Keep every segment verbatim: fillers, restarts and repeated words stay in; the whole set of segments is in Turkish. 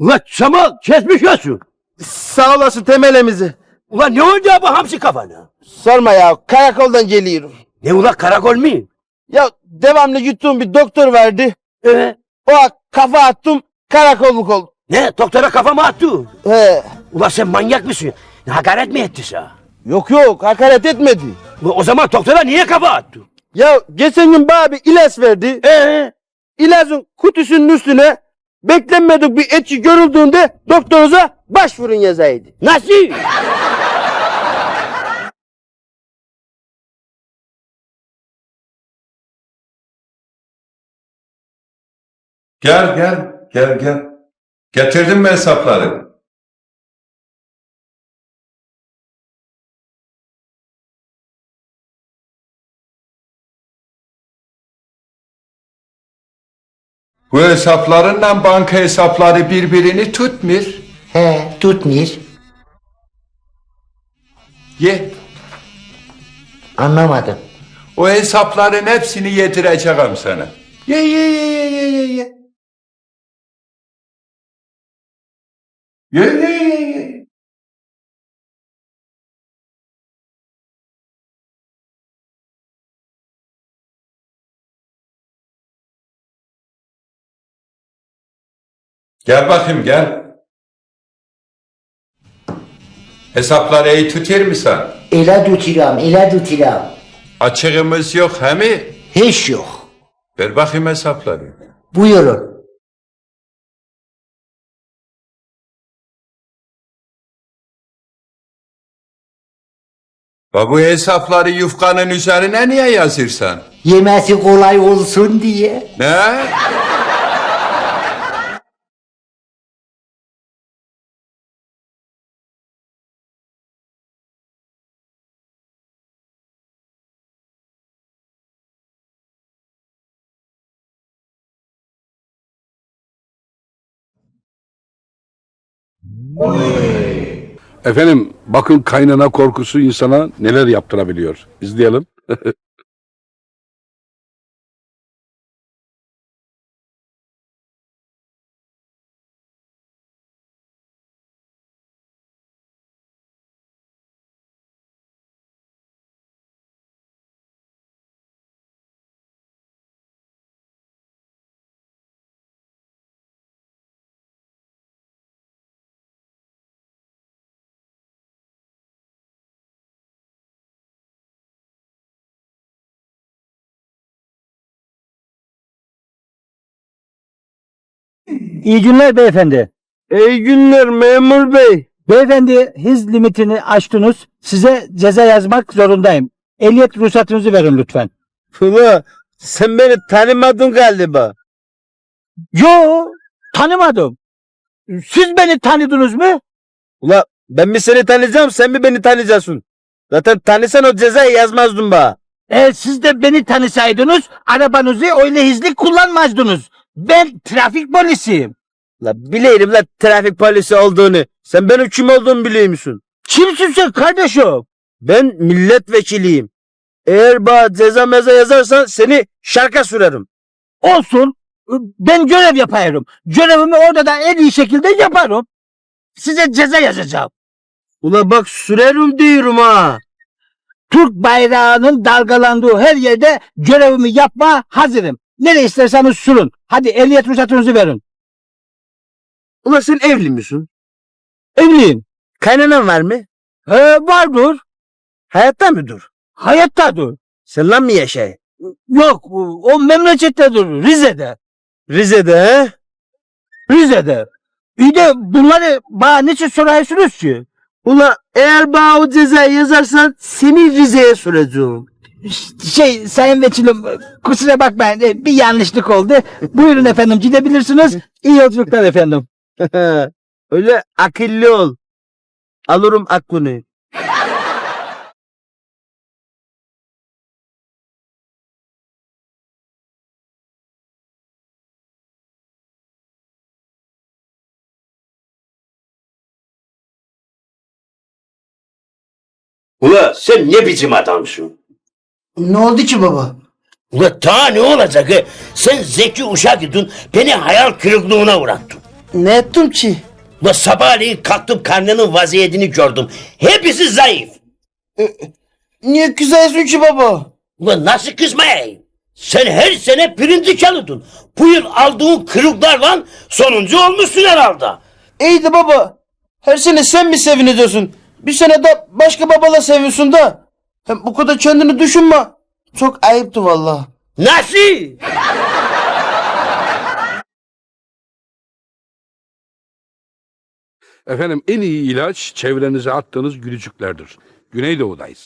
Ulan Samal kesmiş olsun. Sağ olasın temelimizi. Ulan ne oldu bu hamsi kafana? Sorma ya, karakoldan geliyorum. Ne ulan karakol mu? Ya devamlı yuttuğum bir doktor verdi. Ee, O an kafa attım, karakolluk oldum. ne doktora kafama attı. He. Ulan sen manyak mısın? Hakaret mi etti sana? Yok yok, hakaret etmedi. Ulan o zaman doktora niye kafa attı? Ya geçen gün bana bir ilaç verdi. Ee, İlacın kutusunun üstüne beklenmedik bir etki görüldüğünde doktorunuza başvurun yazaydı. nasıl? Gel gel gel gel. Getirdim mi hesapları? Bu hesaplarınla banka hesapları birbirini tutmuyor. He, tutmuyor. Ye. Anlamadım. O hesapların hepsini yedireceğim sana. Ye ye ye ye ye ye ye. Ye ye ye ye. Gel bakayım gel. Hesapları iyi tutar mısın? Ele tuturam, ele tuturam. Açığımız yok he mi? Hiç yok. Ver bakayım hesapları. Buyurun. Ve bu hesapları yufkanın üzerine niye yazırsan? Yemesi kolay olsun diye. Ne? Efendim bakın kaynana korkusu insana neler yaptırabiliyor. İzleyelim. İyi günler beyefendi. İyi günler memur bey. Beyefendi hız limitini aştınız. Size ceza yazmak zorundayım. Ehliyet ruhsatınızı verin lütfen. Ula sen beni tanımadın galiba. Yo, tanımadım. Siz beni tanıdınız mı? Ula ben mi seni tanıyacağım, sen mi beni tanıyacaksın? Zaten tanısan o cezayı yazmazdın bana. E, siz de beni tanısaydınız arabanızı öyle hızlı kullanmazdınız. Ben trafik polisiyim. La bileyim la trafik polisi olduğunu. Sen benim kim olduğumu biliyor musun? Kimsin sen kardeşim? Ben milletvekiliyim. Eğer bana ceza meza yazarsan seni şarka sürerim. Olsun. Ben görev yapıyorum. Görevimi orada da en iyi şekilde yaparım. Size ceza yazacağım. Ula bak sürerim diyorum ha. Türk bayrağının dalgalandığı her yerde görevimi yapma hazırım. Nereye isterseniz sürün. Hadi ehliyet ruhsatınızı verin. Ula sen evli misin? Evliyim. Kaynanan var mı? He, vardır. Hayatta mıdır? Hayattadır. Sen lan mı yaşay? Yok, o memlekettedir. Rize'de. Rize'de he? Rize'de. İyi de bunları bana niçin soruyorsunuz ki? Ula eğer bana o cezayı yazarsan seni Rize'ye süreceğim. Şey sayın vekilim kusura bakmayın bir yanlışlık oldu. Buyurun efendim gidebilirsiniz. İyi yolculuklar efendim. Öyle akıllı ol. Alırım aklını. Ula sen ne biçim adamsın? Ne oldu ki baba? Ula daha ne olacak he? Sen zeki uşak idin, beni hayal kırıklığına uğrattın. Ne ettim ki? Ulan sabahleyin kalktım karnının vaziyetini gördüm. Hepsi zayıf. Niye kızıyorsun ki baba? Ulan nasıl kızmayayım? Sen her sene birinci çalıdın. Bu yıl aldığın kırıklarla sonuncu olmuşsun herhalde. İyi de baba. Her sene sen mi seviniyorsun? Bir sene de başka babala seviyorsun da. Hem bu kadar kendini düşünme. Çok ayıptı vallahi. Nasıl? Efendim en iyi ilaç çevrenize attığınız gülücüklerdir. Güneydoğu'dayız.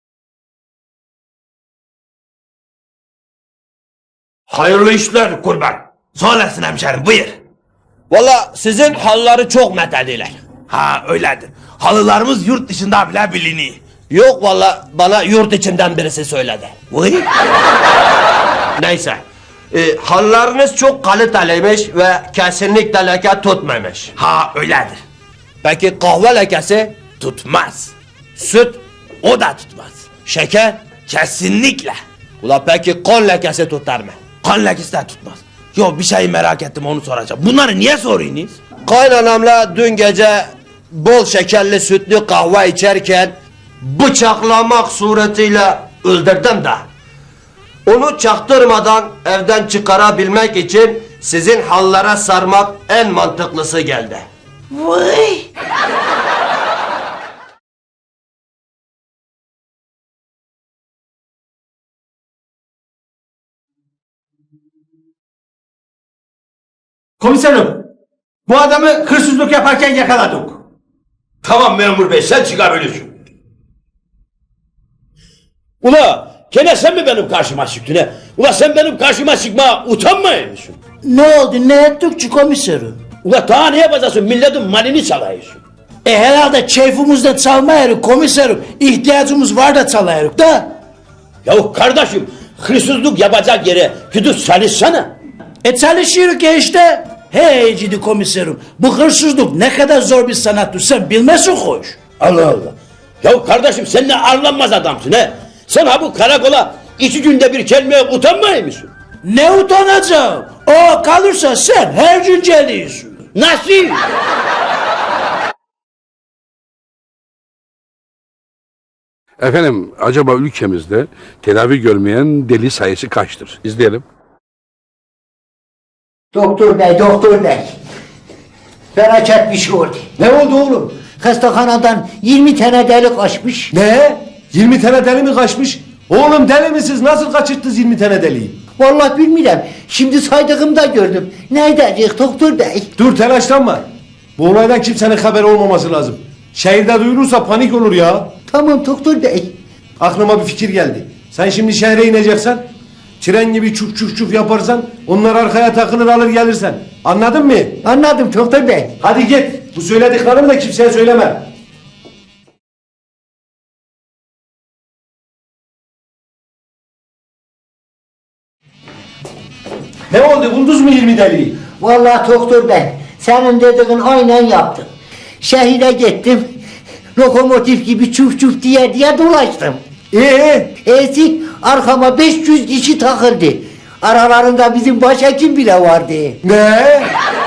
Hayırlı işler kurban. Söylesin hemşerim buyur. Valla sizin halları çok methediler. Ha öyledir. Halılarımız yurt dışında bile biliniyor. Yok valla bana yurt içinden birisi söyledi. Vay. Neyse. E, hallarınız çok kaliteliymiş ve kesinlikle leke tutmamış. Ha öyledir. Peki kahve lekesi? Tutmaz. Süt? O da tutmaz. Şeker? Kesinlikle. Ula peki kan lekesi tutar mı? Kan lekesi de tutmaz. Yo bir şey merak ettim onu soracağım. Bunları niye soruyorsunuz? Kaynanamla dün gece bol şekerli sütlü kahve içerken bıçaklamak suretiyle öldürdüm de. Onu çaktırmadan evden çıkarabilmek için sizin hallara sarmak en mantıklısı geldi. Vay. Komiserim, bu adamı hırsızlık yaparken yakaladık. Tamam memur bey sen çıkabilirsin. Ula gene sen mi benim karşıma çıktın he? Ula sen benim karşıma çıkma utanmıyor musun? Ne oldu ne ettik ki komiserim? Ula daha ne yapacaksın milletin malini çalıyorsun. E herhalde keyfimizde çalmayırız komiserim. İhtiyacımız var da çalayırız da. Yahu kardeşim hırsızlık yapacak yere gidip çalışsana. E çalışıyoruz ya işte. Hey cidi komiserim. Bu hırsızlık ne kadar zor bir sanattır sen bilmezsin hoş. Allah Allah. Yahu kardeşim sen ne arlanmaz adamsın he. Sen ha bu karakola iki günde bir gelmeye utanmıyor musun? Ne utanacağım? O kalırsa sen her gün geliyorsun. Nasıl? Efendim acaba ülkemizde tedavi görmeyen deli sayısı kaçtır? İzleyelim. Doktor bey, doktor bey. Felaket bir şey oldu. Ne oldu oğlum? Hastahanadan yirmi tane deli kaçmış. Ne? yirmi tane deli mi kaçmış? Oğlum deli misiniz? Nasıl kaçırttınız yirmi tane deliyi? Vallahi bilmiyorum. Şimdi saydığımda gördüm. Nerede doktor bey? Dur telaşlanma. Bu olaydan kimsenin haberi olmaması lazım. Şehirde duyulursa panik olur ya. Tamam doktor bey. Aklıma bir fikir geldi. Sen şimdi şehre ineceksen, tren gibi çuf çuf çuf yaparsan, onlar arkaya takılır alır gelirsen. Anladın mı? Anladım doktor bey. Hadi git. Bu söylediklerimi de kimseye söyleme. Ne oldu? Buldunuz mu yirmi deliyi? Vallahi doktor bey. Senin dediğin aynen yaptım. Şehire gittim. Lokomotif gibi çuf çuf diye diye dolaştım. Ee? Ezik arkama beş yüz kişi takıldı. Aralarında bizim başhekim bile vardı. Ne?